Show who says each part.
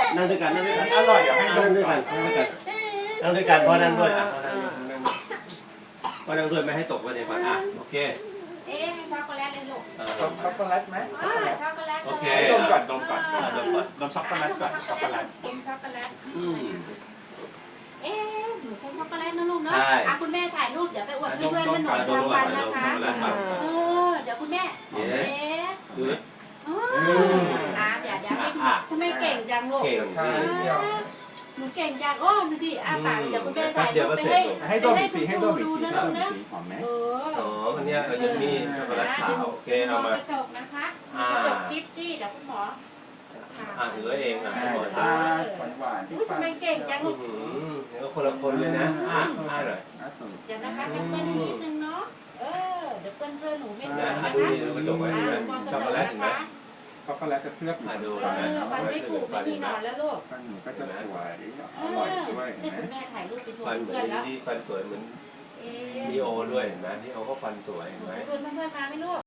Speaker 1: นั่งด้วยกันนั่งด้วยกัน
Speaker 2: อร่อยเดี๋ยวให้
Speaker 1: นั่งด้วยกันนั่งด้วยกันพ่อนั่งด้วยอ่ะพ่อนั่งด้วยไม่ให้ตกไปในฝันอ่ะโอเค
Speaker 3: ให้ช็อกโกแลตเลยลูก
Speaker 2: ช็อกโกแลตไหม
Speaker 3: ช็อกโกแลต
Speaker 1: โอเค
Speaker 2: ดมก่อนดมก่อนดมช็อกโกแลตก่อนช็อกโกแลต
Speaker 3: ดมช็อกโกแลต หนูใช้ช็อกโกแลตนะลูกเนาะคุณแม่ถ่ายรูปเดี๋ยวไปอวดเพื่อนๆมันหน่อยทำฟันนะคะเดี๋ยวคุณแม่
Speaker 1: ดูดิ
Speaker 3: เดี๋ยวให้ทำไมเก่งจังลูก
Speaker 1: เก่งสิ
Speaker 3: หนูเก่งจังดูดิปากเดี๋ยวคุณแม่ถ่ายรูปไปให้
Speaker 2: ดมอีกทีให้ดมอีก
Speaker 3: ดู
Speaker 2: ที
Speaker 3: นะ
Speaker 2: ด
Speaker 3: ลู
Speaker 2: ม
Speaker 3: ก
Speaker 2: อีก
Speaker 3: นะ
Speaker 2: ทีหอมไหม
Speaker 1: อันนี้ยังมีช็อกโกแลตขาวโอเคเอามาก
Speaker 3: ระจกนะคะกระจกคลิปที่เดี๋ยวคุณหมอ
Speaker 1: ถือเองอ่ะ
Speaker 2: หวานที่
Speaker 3: ทำไมเก่งจังลูก
Speaker 1: นี่ก็คนละคนเลยนะหน่อย
Speaker 3: เดี๋ยวนะคะจะเปิ้ลนิดนึงเนาะเดี๋ยวเปิ้ลหนูไม่
Speaker 1: นะ
Speaker 3: นะ
Speaker 1: ดูนี่กระจกไว้ดูนะช็อกโกแลตเห็นไหม
Speaker 2: ช็อกโกแลตจะเคลือบ
Speaker 1: ดู
Speaker 3: ฟันไม่ผุไม่มีหนอนแล้วลูก
Speaker 2: ฟันหนูก็จะสวยอร่อยด้วยเห็นไหม
Speaker 3: คุณแม่ถ่ายรูปไปชม
Speaker 1: ฟันเหมื
Speaker 3: เพื่
Speaker 1: อ
Speaker 3: อน นแล้ว
Speaker 1: ที่ฟันสวยเหมือนลีโอด้วยเห็นไหมที่เขาก็ฟันสวยเห็นไหม
Speaker 3: ชวนเพื่อนๆมาไหมลูก